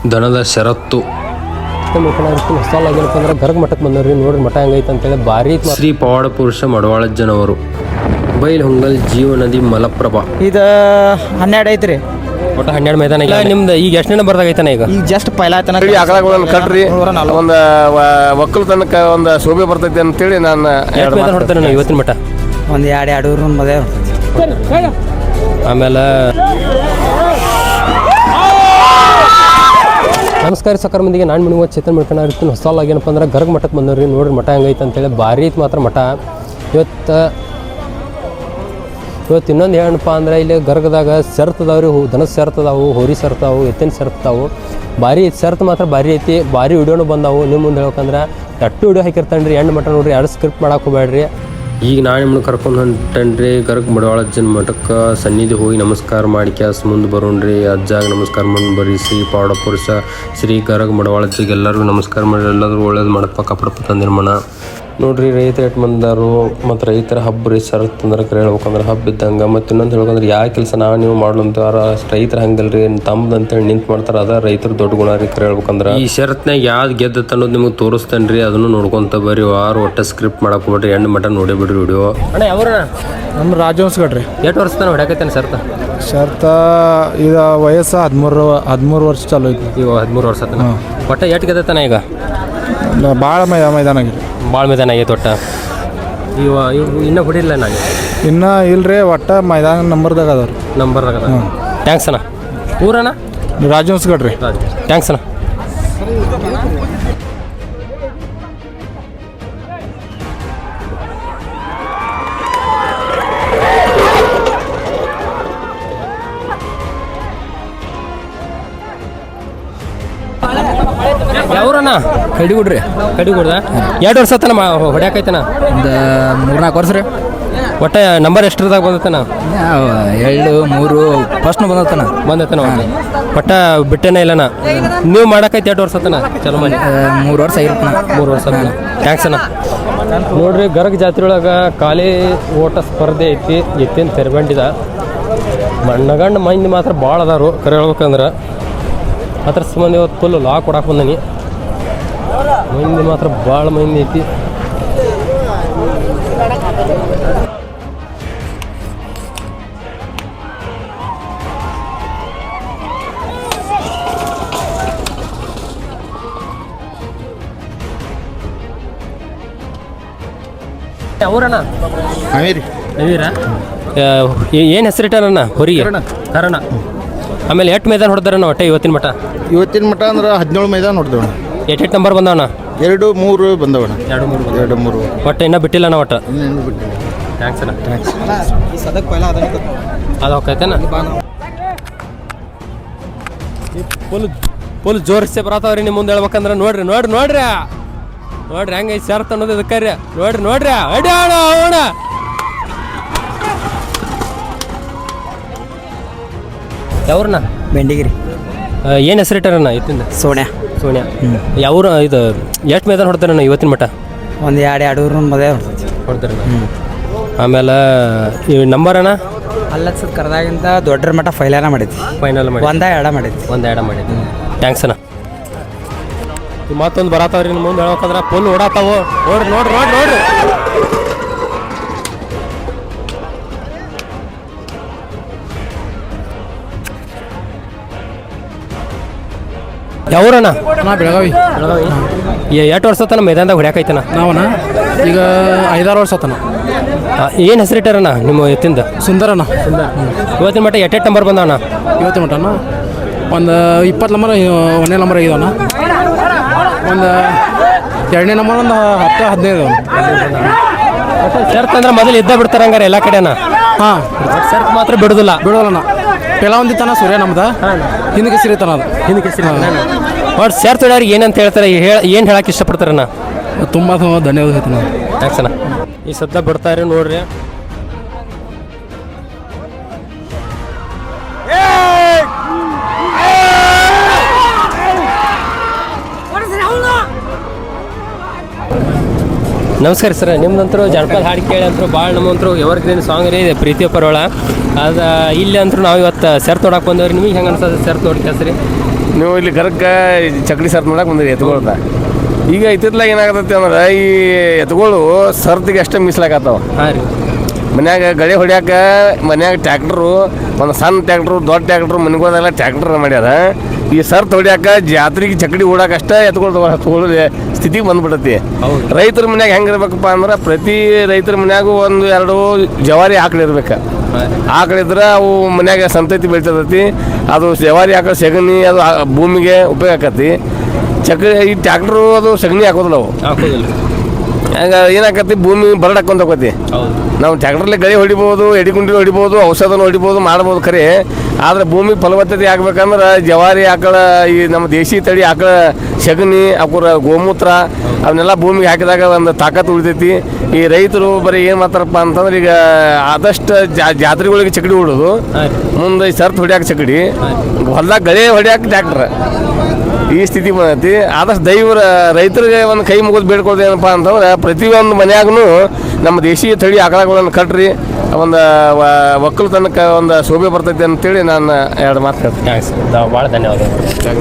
ದನದ ಷರತ್ತು ಏನಪ್ಪ ಅಂದ್ರೆ ಗರ್ಗ ಮಠಕ್ಕೆ ಬಂದವ್ರಿ. ನೋಡ್ರಿ ಮಠ ಹೆಂಗೈತೆ ಅಂತೇಳಿ ಭಾರಿ ಶ್ರೀ ಪವಾಡ ಪುರುಷ ಮಡವಾಳಜ್ಜನವರು. ಬೈಲ್ ಹೊಂಗಲ್ ಜೀವನದಿ ಮಲಪ್ರಭಾ. ಇದು 12 ಐತ್ರಿ. ಒಟ್ಟು 12 ಮೈದಾನ ಇಲ್ಲ ನಿಮ್ದು. ಈಗ ಎಷ್ಟು ದಿನ ಬರ್ದಾಗೈತಾನ? ಈಗ ಜಸ್ಟ್ ಪೈಲಾ ಆಕಳಗಳನ್ನು ಕಟ್ರಿ ಒಂದು ಒಕ್ಕಲು ತನಕ ಒಂದು ಶೋಭೆ ಬರ್ತೈತಿ ಅಂತೇಳಿ ನಾನು ಹೊಡ್ತೇನೆ ನಾವು ಇವತ್ತಿನ ಮಠ. ಒಂದು 2 ಮದುವೆ. ಆಮೇಲೆ ನಮಸ್ಕಾರ ಸಕರ್ ಮಂದಿಗೆ. ನಾನು ನಿಮಗೆ ಚೇತನ್ ಮಾಡ್ಕೊಂಡು ಇರ್ತೀನಿ. ಹೊಸಲಾಗಿ ಏನಪ್ಪ ಅಂದ್ರೆ ಗರ್ಗ ಮಠಕ್ಕೆ ಬಂದವ್ರಿ. ನೋಡ್ರಿ ಮಠ ಹೆಂಗೈತೆ ಅಂತೇಳಿ ಭಾರಿ ಐತೆ ಮಾತ್ರ ಮಠ. ಇವತ್ತು ಇನ್ನೊಂದು ಏನಪ್ಪ ಅಂದ್ರೆ ಇಲ್ಲಿ ಗರ್ಗದಾಗ ಸೆರ್ತದಾವ್ರಿ. ದನದ ಸೆರ್ತದಾವು, ಹೋರಿ ಸೆರ್ತಾವು, ಎತ್ತಿನ ಸೆರ್ತಾವು. ಭಾರಿ ಸೆರ್ತ್ ಮಾತ್ರ ಭಾರಿ ಐತಿ. ಭಾರಿ ವಿಡಿಯೋನು ಬಂದಾವು. ನಿಮ್ಮ ಮುಂದೆ ಹೇಳ್ಬೇಕಂದ್ರೆ ಅಟ್ಟು ವಿಡಿಯೋ ಹಾಕಿರ್ತಾನೆ ರೀ. ಮಠ ನೋಡ್ರಿ, ಯಾರು ಸ್ಕ್ರಿಪ್ಟ್ ಮಾಡಕ್ಕೆ ಹೋಗ್ಬೇಡ್ರಿ. ಈಗ ನಾನು ನಿಮ್ಮನ್ನು ಕರ್ಕೊಂಡು ಹೊಂಟೇನ್ರಿ ಗರ್ಗ ಮಡವಾಳಜ್ಜನ ಮಠಕ್ಕೆ. ಸನ್ನಿಧಿ ಹೋಗಿ ನಮಸ್ಕಾರ ಮಾಡಿ ಕ್ಯಾಸ್ ಮುಂದೆ ಬರೋಣ್ರಿ. ಅಜ್ಜಾಗ ನಮಸ್ಕಾರ ಮಾಡಿ ಬರ್ರಿ. ಶ್ರೀ ಪವಾಡ ಪುರುಷ ಶ್ರೀ ಗರ್ಗ ಮಡವಾಳಜ್ಜಿಗೆ ಎಲ್ಲರಿಗೂ ನಮಸ್ಕಾರ ಮಾಡಿ ಎಲ್ಲರೂ ಒಳ್ಳೇದು ಮಾಡಪ್ಪ ಕಪ್ಪಡಪ್ಪ ತಂದಿರ್ಮಣ. ನೋಡ್ರಿ ರೈತರು ಎಷ್ಟು ಬಂದಾರು. ಮತ್ತು ರೈತರ ಹಬ್ಬ ರೀ. ಸರತ್ ಅಂದ್ರೆ ಹೇಳ್ಬೇಕಂದ್ರೆ ಹಬ್ಬ ಇದ್ದಂಗೆ. ಮತ್ತು ಇನ್ನೊಂದು ಹೇಳ್ಬೇಕಂದ್ರೆ ಯಾವ ಕೆಲಸ ನೀವು ಮಾಡ್ಲಂತಾರ ರೈತರು ಹಂಗಲ್ರಿ ತಮ್ಮದು ಅಂತೇಳಿ ನಿಂತು ಮಾಡ್ತಾರೆ. ಅದ ರೈತರು ದೊಡ್ಡ ಗುಣ ರೀ ಹೇಳ್ಬೇಕಂದ್ರೆ. ಈ ಶರತ್ನಾಗ ಯಾವ್ದು ಗೆದ್ದತ್ತ ಅನ್ನೋದು ನಿಮಗೆ ತೋರಿಸ್ತೇನೆ ರೀ. ಅದನ್ನು ನೋಡ್ಕೊಂತ ಬರ್ರಿ. ವಾರ ಒಟ್ಟೆ ಸ್ಕ್ರಿಪ್ಟ್ ಮಾಡಕ್ಕೆ ಬಿಡ್ರಿ. ಎಂಡ್ ಮಟ ನೋಡಿ ಬಿಡ್ರಿ ವಿಡಿಯೋ. ಅಣ್ಣ ಯಾವ್ರ ನಮ್ಮ ರಾಜವಂಶಗಡ್ರಿ. ಎಷ್ಟು ವರ್ಷ ತಾನೆ ಹೊಡ್ಯಾಕೈತೇನೆ ಶರ್ತ ಇದು ವಯಸ್ಸು 13 ವರ್ಷ ಚಾಲು ಐತಿ. ಇವ 13 ವರ್ಷ ಆತನ. ಒಟ್ಟ ಎಷ್ಟು ಗೆದ್ದತಾನ ಈಗ? ಭಾಳ ಮೈದಾನ ಆಗಿದೆ. ಭಾಳ ಮೈದಾನ ಆಗೈತೆ ಒಟ್ಟ. ಇವು ಇನ್ನೂ ಹೊಡಿಲ್ಲ ನಾನು ಇನ್ನೂ ಇಲ್ರಿ. ಒಟ್ಟ ಮೈದಾನ ನಂಬರ್ದಾಗ ಅದಾವ್ರಿ. ನಂಬರ್ದಾಗ ಅದ. ಟ್ಯಾಂಕ್ಸ್ ಅಣ್ಣ. ಊರಣ್ಣ ರಾಜವಂಶಗಡ್ರಿ. ಟ್ಯಾಂಕ್ಸ್ ಅಣ್ಣ. ಯಾವ್ರಣ್ಣ? ಕಡಿಗುಡ್ರಿ. ಕಡಿಗುಡ್ದ 2 ವರ್ಷ ಆತನ ಹೊಡ್ಯಾಕೈತನ? ಒಂದು 3-4 ವರ್ಷ ರೀ. ಒಟ್ಟ ನಂಬರ್ ಎಷ್ಟರದಾಗ ಬಂದತನ? 2, 3 ಫಸ್ಟ್ನು ಬಂದತನ. ಒಟ್ಟ ಬಿಟ್ಟೇನ ಇಲ್ಲನ? ನೀವು ಮಾಡಕೈತಿ 2 ವರ್ಷ ಆತನ ಚಲೋ ಮಾಡಿ? 3 ವರ್ಷ ಆಗಿರ್ತಾನ. 3 ವರ್ಷ. ಥ್ಯಾಂಕ್ಸ್ ಅಣ್ಣ. ನೋಡ್ರಿ ಗರ್ಗ ಜಾತ್ರೆ ಒಳಗೆ ಖಾಲಿ ಓಟ ಸ್ಪರ್ಧೆ ಐತಿ. ಎತ್ತಿನ ತೆರಬಂಡಿದ ಮಣ್ಣಗಂಡು ಮಂದಿ ಮಾತ್ರ ಭಾಳ ಅದಾರು ಕರೆ ಹೇಳ್ಬೇಕಂದ್ರೆ. ಅದ್ರ ಸಂಬಂಧ ಇವತ್ತು ಫುಲ್ ಲಾ ಕೊಡಕ್ಕೆ ಬಂದನಿ. ಮಂದಿ ಮಾತ್ರ ಭಾಳ ಮಂದಿ ಐತಿ. ಅವರಣ್ಣ ನವೀರಾ ಏನು ಹೆಸರಿಟ್ಟಾರಣ್ಣ ಹೊರಿಗೆ? ಕರಣ. ಆಮೇಲೆ 8 ಮೈದಾನ ಹೊಡೆದಾರಣ್ಣ ಒಟ್ಟೆ ಇವತ್ತಿನ ಮಠ? ಇವತ್ತಿನ ಮಠ ಅಂದ್ರೆ 17 ಮೈದಾನ ನೋಡ್ದೇವಣ್ಣ. 8 ನಂಬರ್ ಬಂದವಣ್ಣ? 2, 3 ಬಂದವಣ್ಣ. 2, 3 ಒಟ್ಟು ಇನ್ನೂ ಬಿಟ್ಟಿಲ್ಲಣ್ಣ ಒಟ್ಟು. ಥ್ಯಾಂಕ್ಸ್ ಅಣ್ಣ. ಅದು ಹೋಗ್ತೈತೇನ? ಫುಲ್ ಜೋರಿಸೆ ಬರತ್ತವ್ರಿ ನಿಮ್ಮ ಮುಂದೆ ಹೇಳ್ಬೇಕಂದ್ರೆ. ನೋಡ್ರಿ ಹೆಂಗೈತೆ ಸೇರ್ತ ಅನ್ನೋದು ಇದಕ್ಕೆ ರೀ. ನೋಡ್ರಿ ಅಡಿ ಅಣ್ಣ. ಯಾವ್ರಣ್ಣ? ಬೆಂಡಿಗಿರಿ. ಏನು ಹೆಸರಿಟ್ಟಾರಣ್ಣ ಇತ್ತಿಂದ? ಸೋನ್ಯಾ. ಯಾವ್ರು? ಇದು ಎಷ್ಟು ಮೈದಾನ ಹೊಡ್ತಾರಣ್ಣ ಇವತ್ತಿನ ಮಠ? ಒಂದು 2 ಮದುವೆ ಹೊಡ್ತಾರಣ್ಣ. ಆಮೇಲೆ ಈ ನಂಬರ್ ಅಣ್ಣ? ಅಲ್ಲದ ಕರೆದಾಗಿಂತ ದೊಡ್ಡ ಮಠ ಫೈನಲ್ ಮಾಡಿದ್ವಿ. ಒಂದ ಎರಡ ಮಾಡಿದ್ವಿ. ಥ್ಯಾಂಕ್ಸ್ ಅಣ್ಣ. ಮತ್ತೊಂದು ಬರತ್ತವ್ರಿ ನಿಮ್ಮ ಮುಂದೆ ಹೇಳ್ಬೇಕಂದ್ರೆ ಫುಲ್ ಓಡಾತಾವು. ನೋಡ್ರಿ ಯಾವ್ರಣ್ಣ? ಬೆಳಗಾವಿ. 8 ವರ್ಷ ತನ ಮೈದಾನದಾಗ ಹೊಡ್ಯಾಕೈತನ? ನಾವಣ್ಣ ಈಗ 5-6 ವರ್ಷ ಆತನ. ಏನು ಹೆಸರಿಟ್ಟಾರಣ್ಣ ನಿಮ್ಮ ಎತ್ತಿಂದ? ಸುಂದರಣ್ಣ. ಇವತ್ತಿನ ಮಟ್ಟ 8 ನಂಬರ್ ಬಂದವಣ್ಣ? ಇವತ್ತಿನ ಮಟ್ಟನ ಒಂದು 20 ನಂಬರ್ 1ನೇ ನಂಬರ್ ಆಗಿದವಣ್ಣ. ಒಂದು 2ನೇ ನಂಬರ್ ಒಂದು 10-15 ಶರ್ತ್ ಅಂದ್ರೆ ಮೊದಲು ಇದ್ದ ಬಿಡ್ತಾರ ಹಂಗಾರೆ ಎಲ್ಲ ಕಡೆನ? ಹಾಂ, ಶರ್ತ್ ಮಾತ್ರ ಬಿಡೋದಲ್ಲ. ಪೆಲ ಒಂದಿತ್ತಾನ ಸೂರ್ಯ ನಮ್ದು ಹಿಂದಕ್ಕೆ ಸಿರಿತಾನ. ಅದು ಹಿಂದಕ್ಕೆ ಒಟ್ಟು ಶರ್ತ್ ಹೊಡ್ಯಾರಿಗೆ ಏನಂತ ಹೇಳ್ತಾರೆ? ಏನು ಹೇಳಕ್ಕೆ ಇಷ್ಟಪಡ್ತಾರಣ್ಣ? ತುಂಬ ಧನ್ಯವಾದ ಹೇಳ್ತಾನೆ. ಥ್ಯಾಂಕ್ಸ್ ಅಣ್ಣ. ಈ ಸದ್ದ ಬಿಡ್ತಾರೆ ನೋಡ್ರಿ. ನಮಸ್ಕಾರ ಸರ್. ನಿಮ್ದಂತರೂ ಜನಪದ ಹಾಡು ಕೇಳಿ ಅಂತರೂ ಭಾಳ ನಮ್ಮಂತರೂ ಎವರ್ಗ್ರೀನ್ ಸಾಂಗ್ ರೀ ಪ್ರೀತಿಯ ಪರವಳ. ಅದು ಇಲ್ಲಿ ಅಂತೂ ನಾವು ಇವತ್ತು ಸೆರ್ತ್ ನೋಡಕ್ಕೆ ಬಂದೇವ್ರಿ. ನಿಮಗೆ ಹೆಂಗೆ ಅನ್ಸೋದು ಸೆರ್ತ್ ನೋಡಿ ಕೆಲಸ ರೀ? ನೀವು ಇಲ್ಲಿ ಗರಕ್ಕೆ ಚಕ್ಡಿ ಸರ್ತ್ ಮಾಡಕ್ಕೆ ಬಂದಿರಿ ಎತ್ಕೊಳ್ದ. ಈಗ ಇತ್ತಿತ್ಲಾಗ ಏನಾಗತ್ತೈತಿ ಅಂದ್ರೆ ಈ ಎತ್ಗಳು ಸರ್ತಿಗೆ ಅಷ್ಟೇ ಮೀಸಲಾಗತ್ತವ. ಹಾಂ ರೀ. ಮನ್ಯಾಗ ಗಳೆ ಹೊಡ್ಯಾಕ ಮನ್ಯಾಗ ಟ್ಯಾಕ್ಟ್ರು, ಒಂದು ಸಣ್ಣ ಟ್ಯಾಕ್ಟ್ರು, ದೊಡ್ಡ ಟ್ಯಾಕ್ಟ್ರು, ಮನೆಗೋದೆಲ್ಲ ಟ್ಯಾಕ್ಟ್ರ್ ಮಾಡ್ಯಾರ. ಈ ಸರ್ತ್ ಹೊಡ್ಯಾಕ ಜಾತ್ರೆಗೆ ಚಕಡಿ ಓಡಾಕಷ್ಟೇ ಎತ್ಕೊಳ್ಳೋ ಸ್ಥಿತಿಗೆ ಬಂದ್ಬಿಡತಿ. ರೈತರ ಮನ್ಯಾಗ ಹೆಂಗಿರ್ಬೇಕಪ್ಪ ಅಂದ್ರೆ ಪ್ರತಿ ರೈತರ ಮನ್ಯಾಗೂ 1-2 ಜವಾರಿ ಆಕಳು ಇರ್ಬೇಕು. ಆಕಳಿದ್ರೆ ಅವು ಮನ್ಯಾಗ ಸಂತತಿ ಬೆಳಿತೈತಿ. ಅದು ಜವಾರಿ ಆಕಳು ಸೆಗಣಿ ಅದು ಭೂಮಿಗೆ ಉಪಯೋಗ ಆಕತಿ. ಈ ಟ್ಯಾಕ್ಟ್ರು ಅದು ಸಗಣಿ ಹಾಕೋದಿಲ್ಲ ಅವು. ಹಂಗೆ ಏನಾಕತಿ ಭೂಮಿ ಬರಡ್ ಹಾಕೊಂತ ಹೋಗತಿ. ನಾವು ಟ್ಯಾಕ್ಟ್ರಲ್ಲಿ ಗಳಿ ಹೊಡಿಬೋದು, ಎಡಿಗುಂಡಿ ಹೊಡಿಬೋದು, ಔಷಧನ ಹೊಡಿಬೋದು, ಮಾಡ್ಬೋದು ಖರೆ. ಆದರೆ ಭೂಮಿ ಫಲವತ್ತತೆ ಆಗ್ಬೇಕಂದ್ರೆ ಜವಾರಿ ಆಕಳ, ಈ ನಮ್ಮ ದೇಶಿ ತಳಿ ಆಕಳ ಸಗಣಿ, ಅವರ ಗೋಮೂತ್ರ ಅವನ್ನೆಲ್ಲ ಭೂಮಿಗೆ ಹಾಕಿದಾಗ ಒಂದು ತಾಕತ್ತು ಉಳಿತೈತಿ. ಈ ರೈತರು ಬರೀ ಏನು ಮಾಡ್ತಾರಪ್ಪ ಅಂತಂದ್ರೆ ಈಗ ಆದಷ್ಟು ಜಾತ್ರೆಗಳಿಗೆ ಚಕಡಿ ಹೊಡೋದು, ಮುಂದೆ ಸರ್ತ್ ಹೊಡ್ಯಾಕ ಚಕಡಿ, ಹೊಲ್ದಾಗ ಗಳೆ ಹೊಡ್ಯಾಕ ಟ್ಯಾಕ್ಟ್ರ, ಈ ಸ್ಥಿತಿ ಬಂದೈತಿ. ಆದಷ್ಟು ರೈತರಿಗೆ ಒಂದು ಕೈ ಮುಗಿದು ಬೇಡ್ಕೊಳ್ದು ಏನಪ್ಪ ಅಂತಂದ್ರೆ ಪ್ರತಿಯೊಂದು ಮನ್ಯಾಗೂ ನಮ್ಮ ದೇಶೀಯ ತಳಿ ಆಕಳಗಳನ್ನು ಕಟ್ರಿ, ಒಂದು ಒಕ್ಕಲುತನಕ್ಕೆ ಒಂದು ಶೋಭೆ ಬರ್ತೈತಿ ಅಂತೇಳಿ ನಾನು 2 ಮಾತು ಹೇಳ್ತೀನಿ. ಭಾಳ ಧನ್ಯವಾದ.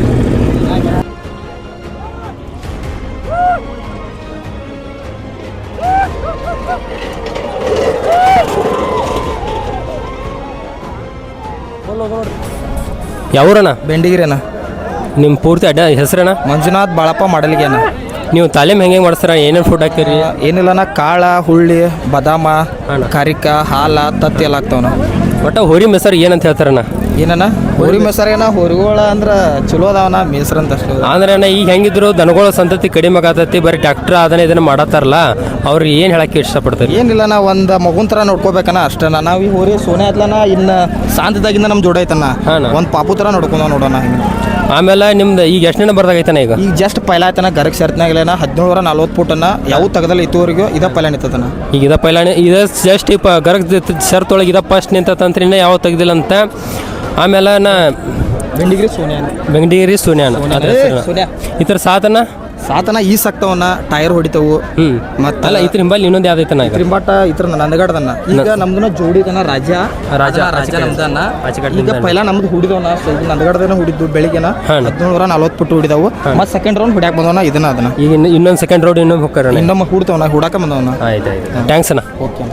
ಯಾವ್ರಣ್ಣ? ಬೆಂಡಿಗಿರಿನ. ನಿಮ್ಮ ಪೂರ್ತಿ ಹೆಸರಣ್ಣ? ಮಂಜುನಾಥ್ ಬಾಳಪ್ಪ ಮಾಡಲಿಗೆನ. ನೀವು ತಾಲೀಮ್ ಹೆಂಗೆ ಮಾಡಿಸ್ತಾರ? ಏನೇನು ಫುಡ್ ಹಾಕ್ತೀರಿ? ಏನಿಲ್ಲನ ಕಾಳ, ಹುಳ್ಳಿ, ಬಾದಾಮ, ಕರಿಕ, ಹಾಲ, ತತ್ತಿ ಎಲ್ಲ ಹಾಕ್ತಾವನ. ಒಟ್ಟು ಹೋರಿ ಮೆಸರು ಏನಂತ ಹೇಳ್ತಾರಣ್ಣ? ಏನನ ಹೋರಿ ಮೆಸರೇನ ಹೋರಿಗಳ ಅಂದ್ರೆ ಚಲೋ ಅದಾವನ ಮೇಸರ್ ಅಂತ ಅಷ್ಟೇ. ಅಂದ್ರೆ ಅಣ್ಣ ಈಗ ಹೆಂಗಿದ್ರು ದನಗಳ ಸಂತತಿ ಕಡಿಮೆ ಆಗತೈತಿ, ಬರೀ ಟ್ಯಾಕ್ಟ್ರ್ ಅದನ್ನ ಇದನ್ನ ಮಾಡತ್ತಾರಲ್ಲ, ಅವ್ರಿಗೆ ಏನು ಹೇಳಕ್ಕೆ ಇಷ್ಟಪಡ್ತಾರೆ? ಏನಿಲ್ಲನ ಒಂದು ಮಗುನ್ ಥರ ನೋಡ್ಕೋಬೇಕನ ಅಷ್ಟೇನ. ನಾವು ಈ ಹೋರಿ ಸೋನೆ ಆತ್ಲನ ಇನ್ನು ಶಾಂತದಾಗಿಂದ ನಮ್ಮ ಜೋಡ ಐತನ, ಒಂದು ಪಾಪು ಥರ ನೋಡ್ಕೊಂಡ ನೋಡೋಣ. ಆಮೇಲೆ ನಿಮ್ದು ಈಗ ಎಷ್ಟು ದಿನ ಬರ್ದಾಗೈತಾನ? ಈಗ ಜಸ್ಟ್ ಪೈಲ ಆಯ್ತಾನ ಗರಕ್ ಶರ್ತ್ನಾಗಲೇನ 1740 ಫುಟನ್ನ ಯಾವ ತೆಗದಲ್ಲ ಇತ್ತುವರೆಗೂ ಇದ ಪೈಲ ನಿಂತತನ. ಈಗ ಇದ ಪೈಲಾನೆ ಇದು ಜಸ್ಟ್ ಗರಕ್ ಶರ್ತ್ ಒಳಗೆ ಇದ ಫಸ್ಟ್ ನಿಂತಂತ್ರಿನ ಯಾವ ತೆಗ್ದಿಲ್ಲ ಅಂತ. ಆಮೇಲೆ ಬೆಂಗಡಿಗಿರಿ ಸೋನ್ಯಾನ ಈ ಥರ ಸಾತನ ಈ ಸಕ್ತವನ್ನ ಟೈರ್ ಹೊಡಿತವು. ಮತ್ತೆ ಅಲ್ಲ ಇದ್ರ ಹಿಂಬಲ್ಲಿ ಇನ್ನೊಂದು ಯಾವ್ದೈತನ? ತ್ರಿಂಬಾಟ ಇತರ ನಂದಗಡದನ್ನ ಈಗ ನಮ್ದನ್ನ ಜೋಡಿದನ ರಾಜ ನಮ್ದನ್ನ. ಈಗ ಪೈಲ ನಮ್ದು ಹುಡಿದವನ ನಂದಗಡದನ ಹುಡಿದ್ದು ಬೆಳಿಗ್ಗೆನ 1740 ಫುಟ್ ಹುಡಿದವು. ಮತ್ತೆ ಸೆಕೆಂಡ್ ರೌಂಡ್ ಹುಡ್ಯಾಕ್ ಬಂದವನ ಇದನ್ನ ಅದನ್ನ. ಈಗ ಇನ್ನೊಂದು ಸೆಕೆಂಡ್ ರೌಂಡ್ ಇನ್ನೊಂದು ಹೋಗ್ತಾರ, ಇನ್ನೊಮ್ಮೆ ಹುಡ್ತವನ ಹುಡಾಕ ಬಂದವನ. ಆಯ್ತು ಥ್ಯಾಂಕ್ಸ್ ಅಣ್ಣ. ಓಕೆ.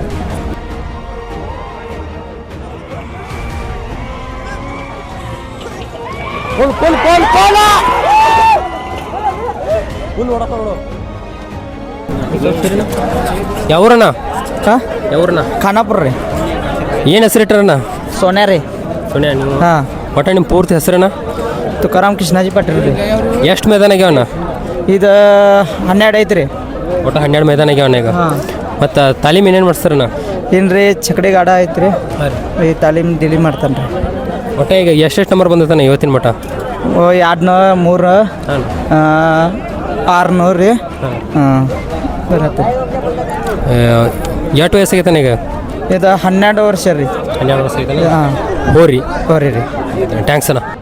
ಯಾವ್ರಣ್ಣ? ಯಾವ್ರಣ್ಣ? ಖಾನಾಪುರ ರೀ. ಏನು ಹೆಸರು ಇಟ್ರಣ್ಣ? ಸೋನ್ಯಾ ರೀ. ಸೋನ್ಯಾ. ನೀವು ಹಾಂ. ಒಟ್ಟ ನಿಮ್ಮ ಪೂರ್ತಿ ಹೆಸರಣ್ಣ? ತುಕಾರಾಮ್ ಕೃಷ್ಣಾಜಿ ಪಾಟೀಲ್ ರೀ. ಎಷ್ಟು ಮೈದಾನ ಆಗ್ಯಾವಣ್ಣ? ಇದು 12 ಐತ್ರಿ. ಒಟ್ಟು 12 ಮೈದಾನ ಆಗ್ಯಾವಣ್ಣ ಈಗ. ಮತ್ತು ತಾಲೀಮ್ ಏನೇನು ಮಾಡಿಸ್ತಾರಣ್ಣ? ಏನ್ರಿ ಚಕಡಿ ಗಾಡ ಐತ್ರಿ, ಈ ತಾಲೀಮ್ ದಿಲಿ ಮಾಡ್ತಾನೆ ರೀ. ಒಟ್ಟು ಈಗ ಎಷ್ಟು ನಂಬರ್ ಬಂದತಾನೆ ಇವತ್ತಿನ ಮಟ್ಟ? 200, 3, 600 ರೀ. ಹಾಂ ಬರತ್ತೆ. ಎಷ್ಟು ವಯಸ್ಸಾಗೈತಾನೆ ಈಗ? ಇದು 12 ವರ್ಷ ರೀ. 12 ವರ್ಷ ಐತಾನೆ. ಹಾಂ ಹೋರಿ ಹೋರಿ ರೀ. ಥ್ಯಾಂಕ್ಸ್ ಅಣ್ಣ.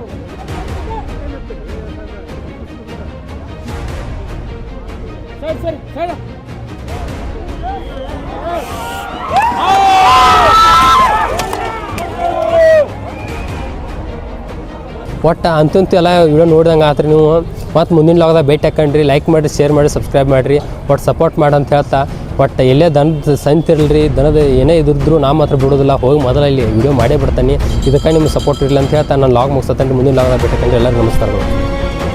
ಒಟ್ಟು ಅಂತಂತೂ ಎಲ್ಲ ವಿಡಿಯೋ ನೋಡಿದಂಗೆ ಆತ್ರಿ ನೀವು. ಮತ್ತು ಮುಂದಿನ ಲಾಗದಾಗ ಭೇಟಿ ಹಾಕೊಂಡ್ರಿ, ಲೈಕ್ ಮಾಡಿರಿ, ಶೇರ್ ಮಾಡಿ, ಸಬ್ಸ್ಕ್ರೈಬ್ ಮಾಡಿರಿ. ಒಟ್ಟು ಸಪೋರ್ಟ್ ಮಾಡಂತ ಹೇಳ್ತಾ, ಒಟ್ಟು ಎಲ್ಲೇ ದನದ ಸಂತಿರಲ್ರಿ, ದನದ ಏನೇ ಇದ್ರೂ ನಾ ಮಾತ್ರ ಬಿಡೋದಿಲ್ಲ, ಹೋಗಿ ಮೊದಲ ಇಲ್ಲಿ ವಿಡಿಯೋ ಮಾಡೇ ಬಿಡ್ತಾನೆ. ಇದಕ್ಕೆ ನಿಮ್ಗೆ ಸಪೋರ್ಟ್ ಇರಲಿ ಅಂತ ಹೇಳ್ತಾ ನಾನು ಲಾಗ್ ಮುಗಿಸ್ತೇನೆ. ಮುಂದಿನ ಲಾಗದಾಗ ಭೇಟಿ ಹಾಕೊಂಡ್ರಿ. ಎಲ್ಲರಿಗೂ ನಮಸ್ಕಾರಗಳು.